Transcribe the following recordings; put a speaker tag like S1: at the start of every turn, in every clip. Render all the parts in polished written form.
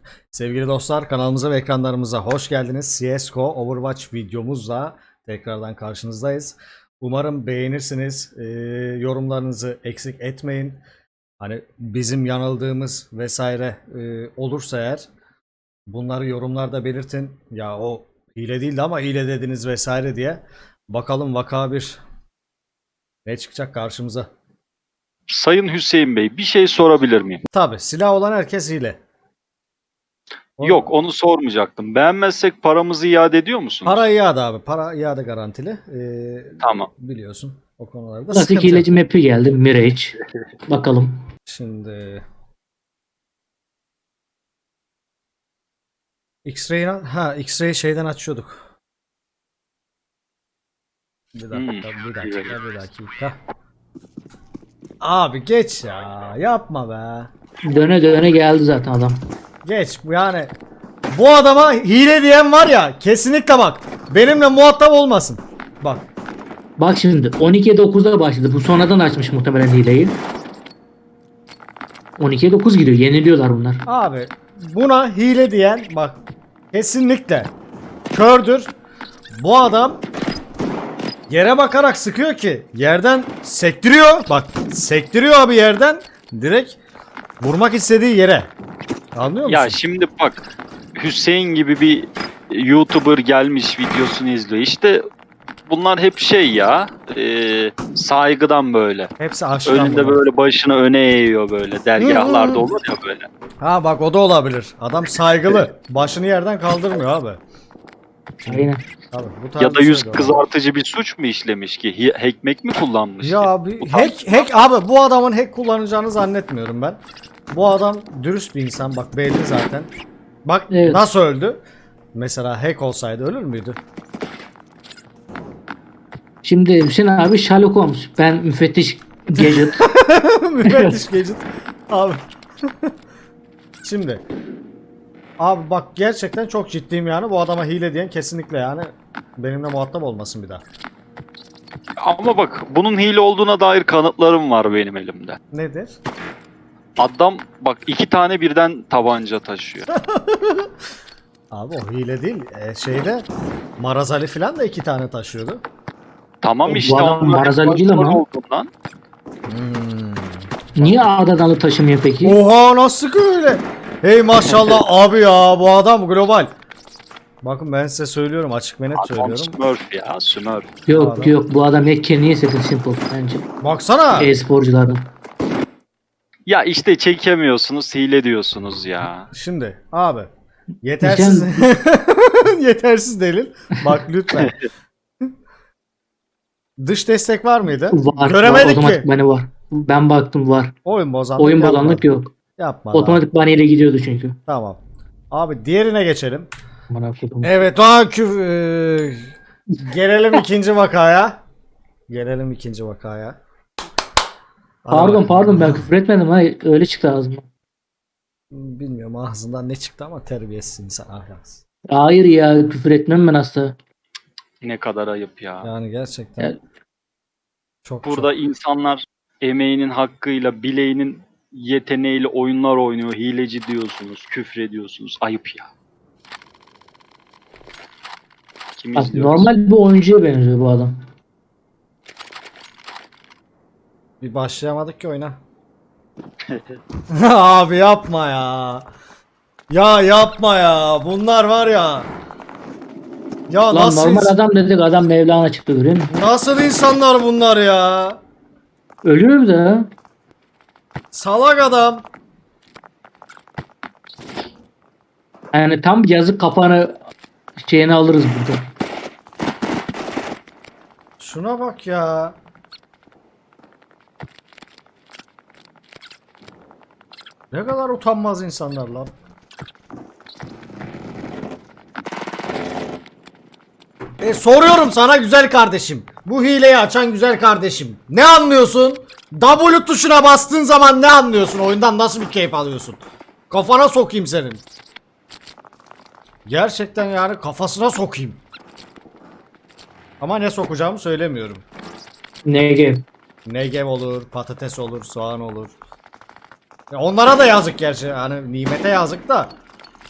S1: Sevgili dostlar, kanalımıza ve ekranlarımıza hoş geldiniz. CSGO Overwatch videomuzla tekrardan karşınızdayız. Umarım beğenirsiniz. Yorumlarınızı eksik etmeyin. Hani bizim yanıldığımız vesaire olursa eğer bunları yorumlarda belirtin. Ya o hile değildi ama hile dediniz vesaire diye. Bakalım vaka bir ne çıkacak karşımıza.
S2: Sayın Hüseyin Bey, bir şey sorabilir miyim?
S1: Tabi silah olan herkes hile.
S2: Yok, onu sormayacaktım. Beğenmezsek paramızı iade ediyor musunuz?
S1: Para iade abi. Para iade garantili.
S2: Tamam.
S1: Biliyorsun o konularda
S3: Klasik
S1: sıkıntı yok.
S3: hileci map'i geldi. Mirage. Bakalım.
S1: Şimdi X-Ray şeyden açıyorduk. Bir dakika. Abi geç ya. Yapma be.
S3: Döne döne geldi zaten adam.
S1: Geç yani. Bu adama hile diyen var ya, kesinlikle bak. Benimle muhatap olmasın. Bak.
S3: Bak şimdi 12'ye 9'da başladı. Bu sonradan açmış muhtemelen hileyi. 12'ye 9 gidiyor. Yeniliyorlar bunlar.
S1: Abi buna hile diyen bak kesinlikle kördür. Bu adam yere bakarak sıkıyor ki yerden sektiriyor. Bak sektiriyor abi yerden direkt vurmak istediği yere. Anlıyor musun?
S2: Ya şimdi bak, Hüseyin gibi bir YouTuber gelmiş videosunu izliyor. İşte bunlar hep şey ya, saygıdan böyle.
S1: Hepsi aşktan
S2: Önünde
S1: bunlar.
S2: böyle başını öne eğiyor böyle. Dergahlarda olur ya böyle.
S1: Ha bak o da olabilir. Adam saygılı. Başını yerden kaldırmıyor abi.
S3: Aynen.
S1: Abi, bu tarz
S2: Ya da
S1: bir
S2: yüz
S1: şey de var.
S2: kızartıcı bir suç mu işlemiş ki? Hackmek mi kullanmış ki?
S1: Ya abi
S2: Bu tarz-
S1: hack abi bu adamın hack kullanacağını zannetmiyorum ben. Bu adam dürüst bir insan bak belli zaten. Bak
S3: Evet.
S1: nasıl öldü? Mesela hack olsaydı ölür müydü?
S3: Şimdi Hüseyin abi Sherlock Holmes. Ben müfettiş Gadget.
S1: Müfettiş Gadget. Abi. Şimdi. Abi bak gerçekten çok ciddiyim yani. Bu adama hile diyen kesinlikle yani benimle muhatap olmasın bir daha.
S2: Ama bak, bunun hile olduğuna dair kanıtlarım var benim elimde.
S1: Nedir?
S2: Adam bak 2 tane birden tabanca taşıyor.
S1: Abi o hile değil. Şeyde Maraz Ali falan da 2 tane taşıyordu.
S2: Tamam
S3: Bu
S2: işte
S3: adam
S2: onlar
S3: Marazali
S2: hep
S3: değil ama.
S2: başrol olduğundan.
S3: Niye A'dan alıp taşımıyor peki?
S1: Oha nasıl öyle? Hey maşallah abi ya bu adam global. Bakın ben size söylüyorum açık ve net
S2: Adam
S1: söylüyorum.
S2: Smurf ya, Smurf.
S3: Yok
S1: Adam.
S3: yok bu adam Mekke niye setin simple bence.
S1: Baksana.
S3: E-sporculardan.
S2: Ya işte çekemiyorsunuz, hile diyorsunuz ya.
S1: Şimdi abi yetersiz yetersiz delil. Bak lütfen. Dış destek var mıydı?
S3: Var.
S1: Göremedik
S3: Otomatik
S1: ki.
S3: bani var. Ben baktım var.
S1: Oyun bozanlık
S3: Oyun
S1: yapmadı.
S3: bozanlık yok.
S1: Yapmadı.
S3: Otomatik bani ile gidiyordu çünkü.
S1: Tamam. Abi diğerine geçelim.
S3: Bana kodum.
S1: Evet gelelim ikinci vakaya. Gelelim ikinci vakaya.
S3: Pardon ben küfür etmedim ha öyle çıktı ağzımdan.
S1: Bilmiyorum ağzından ne çıktı ama terbiyesiz insan ahlaksız.
S3: Hayır ya küfür etmem ben asla.
S2: Ne kadar ayıp ya.
S1: Yani gerçekten.
S3: Yani-
S1: Çok
S2: Burada
S1: çok.
S2: insanlar emeğinin hakkıyla, bileğinin yeteneğiyle oyunlar oynuyor. Hileci diyorsunuz, küfrediyorsunuz. Ayıp ya. Kim
S3: Bak,
S2: izliyoruz?
S3: normal bir oyuncuya benziyor bu adam.
S1: Bir başlayamadık ki oyuna. Abi yapma ya. Ya yapma ya. Bunlar var ya. Ya
S3: Lan
S1: nasıl
S3: normal adam dedik adam Mevlana çıktı görüyor musun?
S1: nasıl insanlar bunlar ya?
S3: Ölür de.
S1: Salak adam.
S3: Yani tam yazık kafanı şeyini alırız burada.
S1: Şuna bak ya. Ne kadar utanmaz insanlar lan. Soruyorum sana güzel kardeşim. Bu hileyi açan güzel kardeşim. Ne anlıyorsun? W tuşuna bastığın zaman ne anlıyorsun? Oyundan nasıl bir keyif alıyorsun? Kafana sokayım senin. Gerçekten yani kafasına sokayım. Ama ne sokacağımı söylemiyorum.
S3: NG.
S1: Negev olur, patates olur, soğan olur. Ya onlara da yazık gerçi. Hani nimete yazık da.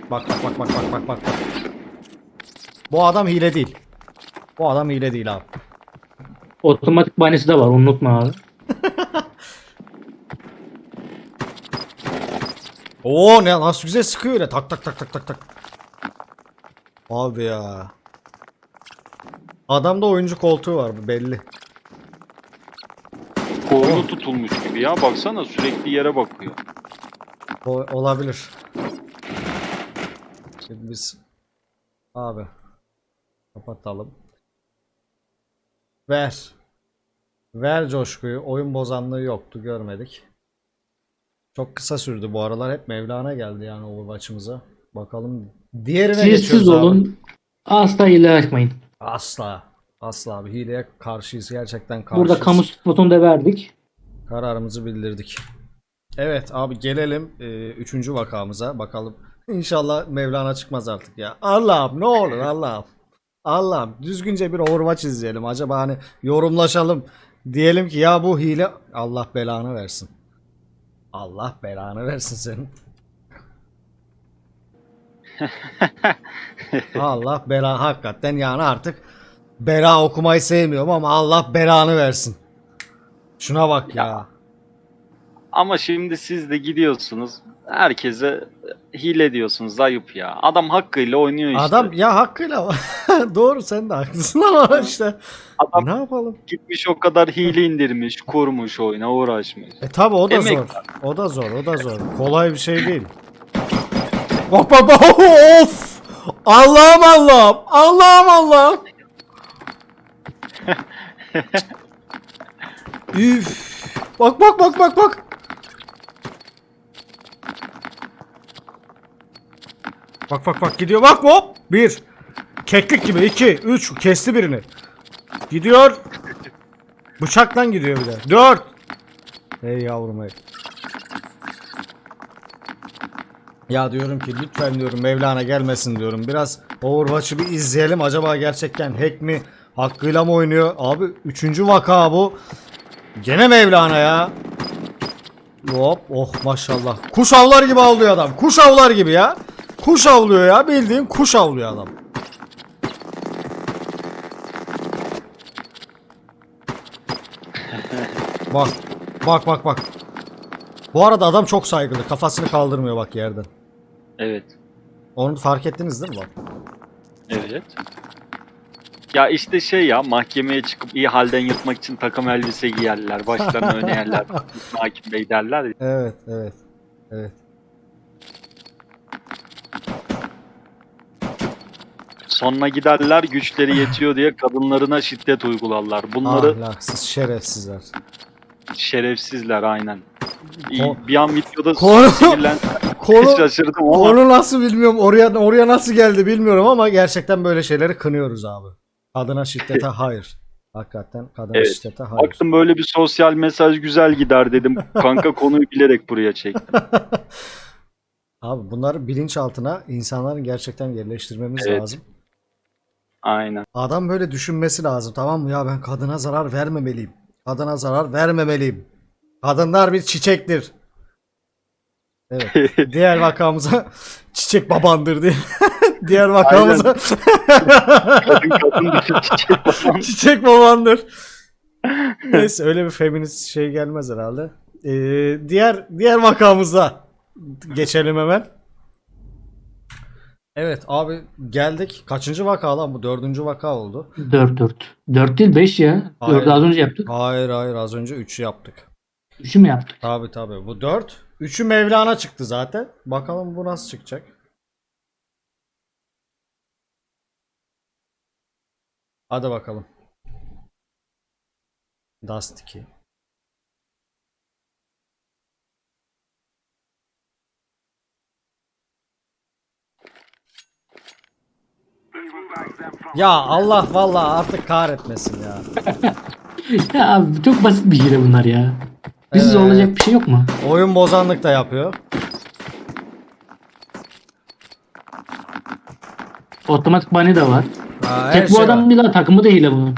S1: Bak bak bak bak bak bak bak. Bu adam hile değil. Bu adam hile değil abi.
S3: Otomatik banisi de var, unutma abi.
S1: Oo, ne nasıl güzel sıkıyor öyle. Tak tak tak tak tak tak. Abi ya. Adamda oyuncu koltuğu var, bu belli.
S2: Kolunu tutulmuş gibi ya. Baksana sürekli yere bakıyor.
S1: Olabilir. Şimdi biz abi kapatalım. Ver. Ver coşkuyu. Oyun bozanlığı yoktu, görmedik. Çok kısa sürdü bu aralar. Hep Mevlana geldi yani Overwatch'ımıza. Bakalım diğerine
S3: Siz
S1: geçiyoruz abi.
S3: olun. Asla hile açmayın.
S1: Asla. Asla abi. Hileye karşıyız. Gerçekten
S3: Burada
S1: karşıyız.
S3: kamu spotunu da verdik.
S1: Kararımızı bildirdik. Evet abi, gelelim 3. vakamıza. Bakalım. İnşallah Mevlana çıkmaz artık ya. Allah'ım ne olur Allah'ım. Allah'ım düzgünce bir Overwatch izleyelim. Acaba hani yorumlaşalım. Diyelim ki ya bu hile, Allah belanı versin. Allah belanı versin senin. Allah bela, hakikaten yani artık bela okumayı sevmiyorum ama Allah belanı versin. Şuna bak ya.
S2: Ama şimdi siz de gidiyorsunuz. Herkese hile diyorsunuz. Ayıp ya. Adam hakkıyla oynuyor işte.
S1: Adam ya hakkıyla doğru, sen de haklısın ama işte
S2: Adam
S1: ne yapalım?
S2: gitmiş o kadar hile indirmiş, kurmuş oyuna uğraşmış.
S1: Tabi o da
S2: Emek
S1: zor. O da zor, o da zor. Kolay bir şey değil. Bak bak bak, of! Allah'ım Allah'ım! Allah'ım Allah'ım! Üf! Bak bak bak bak bak! Bak bak bak, gidiyor bak, hop! Bir. Keklik gibi, iki, üç, kesti birini. Gidiyor. Bıçaktan gidiyor bir de. Dört. Ey yavrum ey. Ya diyorum ki lütfen diyorum Mevlana gelmesin diyorum. Biraz Overwatch'ı bir izleyelim. Acaba gerçekten hack mi? Hakkıyla mı oynuyor? Abi 3. vaka bu. Gene Mevlana ya. Hop, oh maşallah. Kuş avlar gibi avlıyor adam. Kuş avlar gibi ya. Kuş avlıyor ya. Bildiğin kuş avlıyor adam. Bak. Bak bak bak. Bu arada adam çok saygılı. Kafasını kaldırmıyor bak yerden.
S2: Evet.
S1: Onu fark ettiniz değil mi bak?
S2: Evet. Ya işte şey ya, mahkemeye çıkıp iyi halden yırtmak için takım elbise giyerler. Başlarını öne yerler. Hakim Bey derler ya.
S1: Evet, evet. Evet.
S2: Sonra giderler güçleri yetiyor diye kadınlarına şiddet uygularlar. Bunları
S1: Ahlaksız, şerefsizler.
S2: şerefsizler aynen.
S1: Ko-
S2: Bir an videoda
S1: Konu-
S2: sinirlen
S1: Konu,
S2: şaşırdım ama
S1: konu nasıl bilmiyorum. Oraya nasıl geldi bilmiyorum ama gerçekten böyle şeyleri kınıyoruz abi. Kadına şiddete hayır. Hakikaten kadına
S2: Evet.
S1: şiddete hayır.
S2: baktım böyle bir sosyal mesaj güzel gider dedim. Kanka konuyu bilerek buraya çektim.
S1: Abi bunları bilinçaltına insanların gerçekten yerleştirmemiz
S2: Evet.
S1: lazım.
S2: Aynen.
S1: Adam böyle düşünmesi lazım, tamam mı? Ya ben kadına zarar vermemeliyim. Kadına zarar vermemeliyim. Kadınlar bir çiçektir. Evet. Diğer vakamıza çiçek babandır diye. Diğer vakamıza
S2: Kadın düşün çiçek falan.
S1: çiçek babandır. Neyse, öyle bir feminist şey gelmez herhalde. Diğer vakamıza geçelim hemen. Evet abi, geldik. Kaçıncı vaka lan bu? 4. vaka oldu.
S3: 4. 4 değil 5 ya.
S1: Hayır.
S3: 4'ü az önce yaptık.
S1: Hayır az önce 3'ü yaptık.
S3: 3'ü mü yaptık?
S1: Tabi bu 4. 3'ü Mevlana çıktı zaten. Bakalım bu nasıl çıkacak. Hadi bakalım. Dust 2. Ya Allah vallahi artık kahretmesin ya.
S3: Ya abi çok basit bir hile bunlar ya. Bizi
S1: Evet.
S3: zorlayacak bir şey yok mu?
S1: Oyun bozanlık da yapıyor.
S3: Otomatik bani de var.
S1: Ha, her
S3: Tek bu
S1: şey
S3: adam
S1: var.
S3: değil ha, takımı da hile bunun.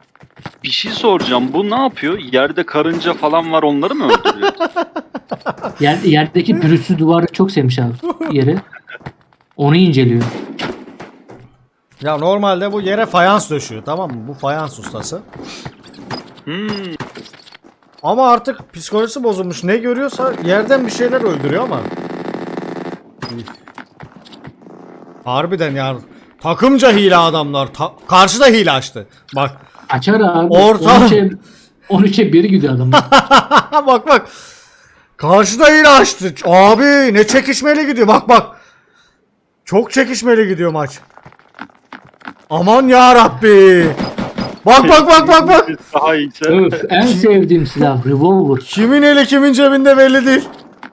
S2: Bir şey soracağım. Bu ne yapıyor? Yerde karınca falan var, onları mı öldürüyor?
S3: Yerdeki pürüzsüz duvarı çok sevmiş abi yeri. Onu inceliyor.
S1: Ya normalde bu yere fayans döşüyor, tamam mı? Bu fayans ustası.
S2: Hmm.
S1: Ama artık psikolojisi bozulmuş. Ne görüyorsa yerden bir şeyler öldürüyor ama. Harbiden ya. Takımca hile adamlar. Karşıda hile açtı. Bak.
S3: Açar abi.
S1: Orta-
S3: 13'e 1 gidiyor adam.
S1: Bak bak. Karşıda hile açtı. Abi ne çekişmeli gidiyor. Bak bak. Çok çekişmeli gidiyor maç. Aman ya Rabbi. Bak bak bak bak bak.
S2: Daha iyiyse.
S3: Öf, en sevdiğim silah revolver.
S1: Kimin eli kimin cebinde belli değil.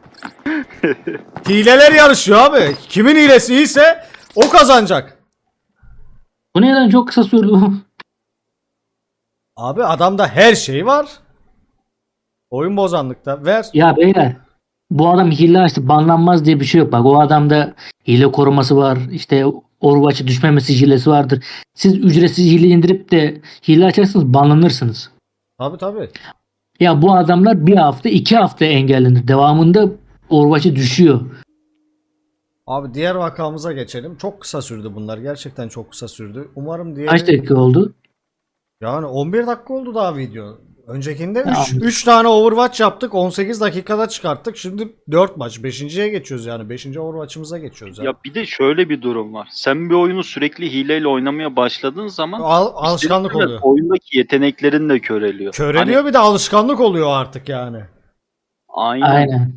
S1: Hileler yarışıyor abi. Kimin hilesi iyiyse o kazanacak.
S3: Bu neden çok kısa sürdü bu?
S1: Abi adamda her şey var. Oyun bozanlıkta. Ver.
S3: Ya beyler, bu adam hile açtı, banlanmaz diye bir şey yok. Bak, o adamda hile koruması var. İşte Overwatch'a düşmemesi hilesi vardır. Siz ücretsiz hile indirip de hile açarsanız banlanırsınız.
S1: Tabi tabi.
S3: Ya bu adamlar bir hafta 2 hafta engellenir. Devamında Overwatch'a düşüyor.
S1: Abi diğer vakamıza geçelim. Çok kısa sürdü bunlar. Gerçekten çok kısa sürdü. Umarım
S3: Kaç
S1: diğeri...
S3: dakika oldu?
S1: Yani 11 dakika oldu daha video. Öncekinde
S3: Ya
S1: 3 tane Overwatch yaptık. 18 dakikada çıkarttık. Şimdi 4 maç. 5.'ye geçiyoruz yani. 5. Overwatch'ımıza geçiyoruz.
S2: Ya bir de şöyle bir durum var. Sen bir oyunu sürekli hileyle oynamaya başladığın zaman
S1: Alışkanlık
S2: ister
S1: oluyor.
S2: istemez oyundaki yeteneklerin de köreliyor.
S1: Köreliyor, bir de alışkanlık oluyor artık yani.
S2: Aynen.
S3: Aynen.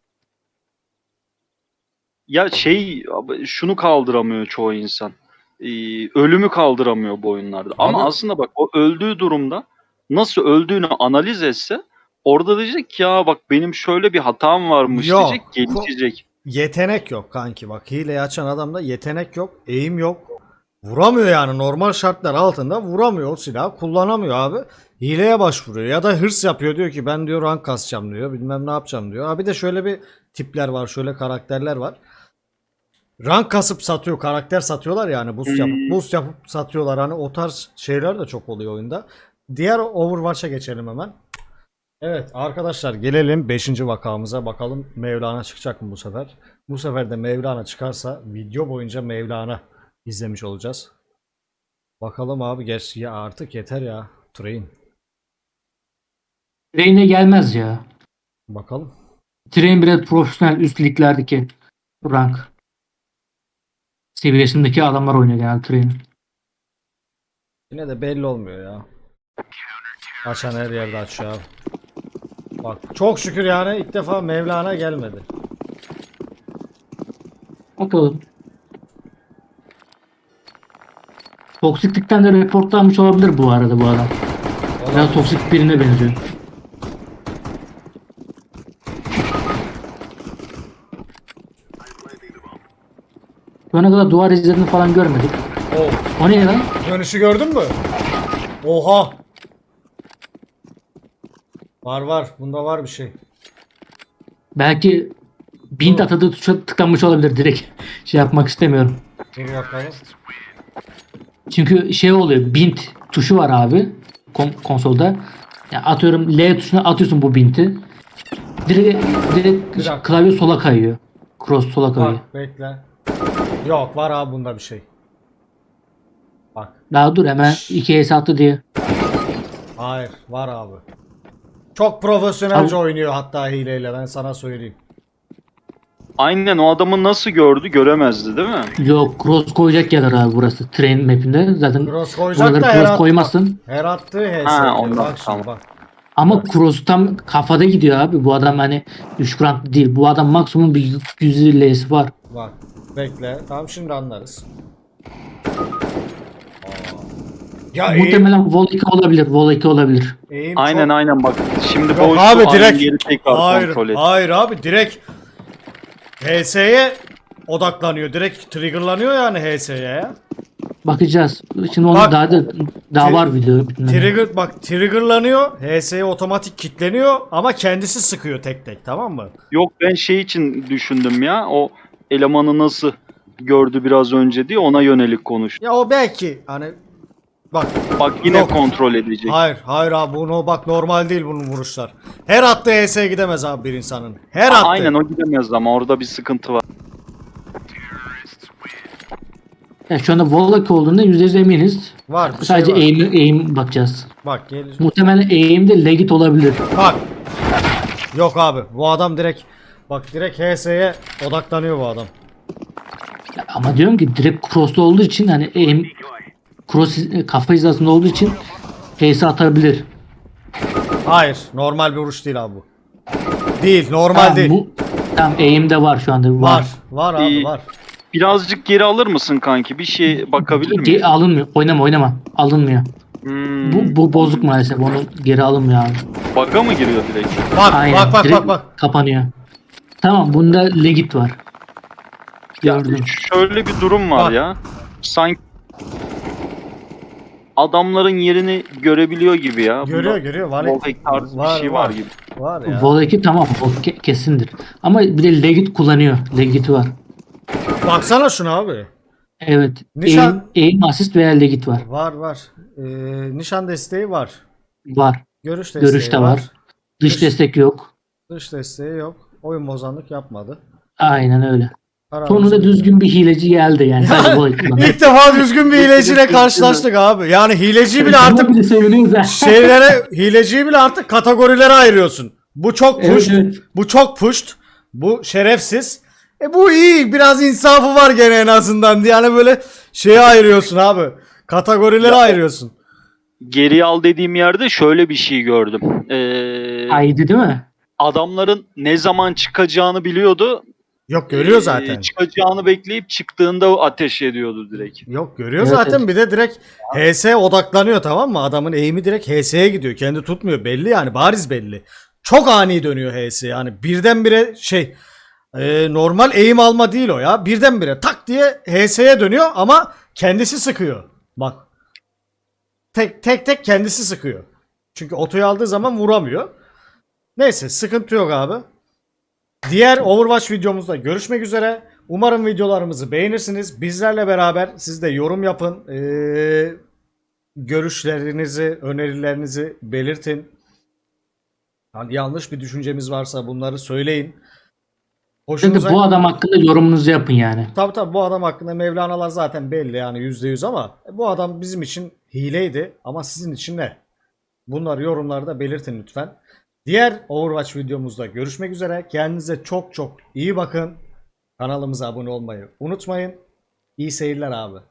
S2: Ya şunu kaldıramıyor çoğu insan. Ölümü kaldıramıyor bu oyunlarda. Ama
S1: Abi-
S2: aslında bak, o öldüğü durumda nasıl öldüğünü analiz etse orada diyecek ki ya bak benim şöyle bir hatam varmış
S1: Yok.
S2: diyecek, gelişecek.
S1: Yetenek yok kanki, bak hileyi açan adamda yetenek yok, eğim yok. Vuramıyor yani, normal şartlar altında vuramıyor, o silahı kullanamıyor abi. Hileye başvuruyor ya da hırs yapıyor, diyor ki ben diyor rank kasacağım diyor, bilmem ne yapacağım diyor. Abi de şöyle bir tipler var, şöyle karakterler var. Rank kasıp satıyor, karakter satıyorlar yani, boost yapıp satıyorlar, hani o tarz şeyler de çok oluyor oyunda. Diğer Overwatch'a geçelim hemen. Evet arkadaşlar, gelelim 5. vakamıza, bakalım Mevlana çıkacak mı bu sefer? Bu sefer de Mevlana çıkarsa video boyunca Mevlana izlemiş olacağız. Bakalım abi, geç ya, artık yeter ya. Train.
S3: Train'e gelmez ya.
S1: Bakalım.
S3: Train biraz profesyonel üst liglerdeki rank seviyesindeki adamlar oynuyor genel Train.
S1: Yine de belli olmuyor ya. Açan her yerde açıyor abi. Bak çok şükür yani ilk defa Mevlana gelmedi.
S3: Bakalım. Toksiklikten de reportlanmış olabilir bu arada bu adam. Biraz toksik birine benziyor. Şu ana kadar duvar izlerini falan görmedik.
S1: Oh,
S3: O ne lan?
S1: dönüşü gördün mü? Oha. Var var, bunda var bir şey.
S3: Belki bint atadığı tuşa tıklanmış olabilir direkt. Şey yapmak istemiyorum.
S1: Dur bakalım.
S3: Çünkü şey oluyor, bint tuşu var abi konsolda. Ya atıyorum L tuşuna atıyorsun bu binti. Direkt
S1: dakika.
S3: klavye sola kayıyor. Cross sola kayıyor.
S1: Bak bekle. Yok, var abi bunda bir şey. Bak.
S3: Daha dur, hemen 2 S attı diye.
S1: Hayır, var abi. Çok profesyonelce
S3: Abi-
S1: oynuyor hatta hileyle, ben sana söyleyeyim.
S2: Aynen, o adamı nasıl gördü, göremezdi değil mi?
S3: Yok, cross koyacak yerler abi burası. Train map'inde. Zaten
S1: Cross koyacak
S3: buraları
S1: da her
S3: cross koymazsın.
S1: Her attığı HS.
S2: Ha, ondan,
S1: Bak şimdi
S2: tamam.
S1: bak.
S3: Ama cross tam kafada gidiyor abi. Bu adam hani düşük rank değil. Bu adam maksimum bir 100 L'si var.
S1: Bak. Bekle. Tamam, şimdi anlarız. Ya
S3: Muhtemelen Vol 2 olabilir. Vol 2 olabilir.
S1: eğim
S2: Aynen
S1: çok...
S2: aynen bak. Şimdi
S1: Yok
S2: boştu,
S1: abi,
S2: aynı
S1: direkt.
S2: yeri tekrar kontrol et.
S1: Hayır abi, direkt HS'ye odaklanıyor. Direkt triggerlanıyor yani HS'ye ya.
S3: Bakacağız. Şimdi onu
S1: Bak,
S3: daha var video.
S1: Triggerlanıyor. HS'ye otomatik kilitleniyor ama kendisi sıkıyor tek tek, tamam mı?
S2: Yok, ben şey için düşündüm ya. O elemanı nasıl gördü biraz önce diye, ona yönelik konuş.
S1: Ya o belki hani Bak.
S2: Bak yine
S1: Yok.
S2: kontrol edecek.
S1: Hayır, hayır abi bunu bak normal değil bunun vuruşlar. Her attığı HS'ye gidemez abi bir insanın. Her attığı.
S2: Aynen o gidemez ama orada bir sıkıntı var.
S3: Yani şu anda Wallach olduğunda %100 eminiz.
S1: Var bir
S3: Sadece
S1: şey var.
S3: aim bakacağız.
S1: Bak gelir.
S3: Muhtemelen aim'de legit olabilir.
S1: Bak. Yok abi bu adam direkt bak direkt HS'ye odaklanıyor bu adam.
S3: Ama diyorum ki direkt cross'ta olduğu için hani aim cross kafa hizasında olduğu için HS atabilir.
S1: Hayır normal bir vuruş değil abi bu. Değil normal
S3: Tamam,
S1: değil.
S3: bu tamam aim'de var şu anda.
S1: Var. Var abi
S2: İyi.
S1: var.
S2: Birazcık geri alır mısın kanki? Bir şey bakabilir miyim?
S3: Alınmıyor. Oynama. Alınmıyor.
S2: Hmm.
S3: Bu bozuk maalesef. Onu geri alınmıyor abi.
S2: Bug'a mı giriyor direkt?
S1: Bak
S3: Aynen.
S1: bak
S3: direkt
S1: bak bak.
S3: kapanıyor. Tamam bunda legit var. Gördüm.
S2: Şöyle bir durum var
S1: Bak.
S2: ya. Sanki adamların yerini görebiliyor gibi ya.
S1: Görüyor var.
S2: Wallhack tarzı bir şey var gibi.
S1: Var ya.
S3: Vol 2 tamam. Vol kesindir. Ama bir de legit kullanıyor. Legit var.
S1: Baksana şuna abi.
S3: Evet.
S1: Nişan-
S3: Aim assist veya legit var.
S1: Var. Nişan desteği var.
S3: Var.
S1: Görüş desteği
S3: Görüş de var. Dış
S1: Dış-
S3: destek yok.
S1: Dış desteği yok. Oyun bozanlık yapmadı.
S3: Aynen öyle.
S1: Aramızda-
S3: Sonunda düzgün bir hileci geldi yani. Sadece Vol 2 kullanıyor.
S1: İlk defa düzgün bir hileciyle karşılaştık abi. Yani hileciyi bile artık
S3: Buna bile seviniyoruz ha.
S1: hileciyi bile artık kategorilere ayırıyorsun. Bu çok
S3: Evet,
S1: pushed.
S3: evet.
S1: Bu çok pushed. Bu şerefsiz. Bu iyi. Biraz insafı var gene en azından. Yani böyle şeye ayırıyorsun abi. Kategorilere ayırıyorsun.
S2: Geri al dediğim yerde şöyle bir şey gördüm.
S3: Haydi değil mi?
S2: Adamların ne zaman çıkacağını biliyordu.
S1: Yok görüyor zaten.
S2: Çıkacağını bekleyip çıktığında ateş ediyordu direkt.
S1: Yok görüyor
S3: Evet,
S1: zaten.
S3: evet.
S1: Bir de direkt HS odaklanıyor tamam mı? Adamın eğimi direkt HS'ye gidiyor. Kendi tutmuyor. Belli yani bariz belli. Çok ani dönüyor HS. Yani birdenbire normal eğim alma değil o ya. Birdenbire tak diye HS'ye dönüyor ama kendisi sıkıyor. Bak. Tek kendisi sıkıyor. Çünkü otoyu aldığı zaman vuramıyor. Neyse sıkıntı yok abi. Diğer Overwatch videomuzda görüşmek üzere. Umarım videolarımızı beğenirsiniz. Bizlerle beraber siz de yorum yapın. Görüşlerinizi, önerilerinizi belirtin. Yani yanlış bir düşüncemiz varsa bunları söyleyin.
S3: Şimdi
S1: Hoşunuza...
S3: bu adam hakkında yorumunuzu yapın yani.
S1: Tabii bu adam hakkında Mevlana'lar zaten belli yani %100 ama bu adam bizim için hileydi ama sizin için ne? Bunları yorumlarda belirtin lütfen. Diğer Overwatch videomuzda görüşmek üzere. Kendinize çok iyi bakın. Kanalımıza abone olmayı unutmayın. İyi seyirler abi.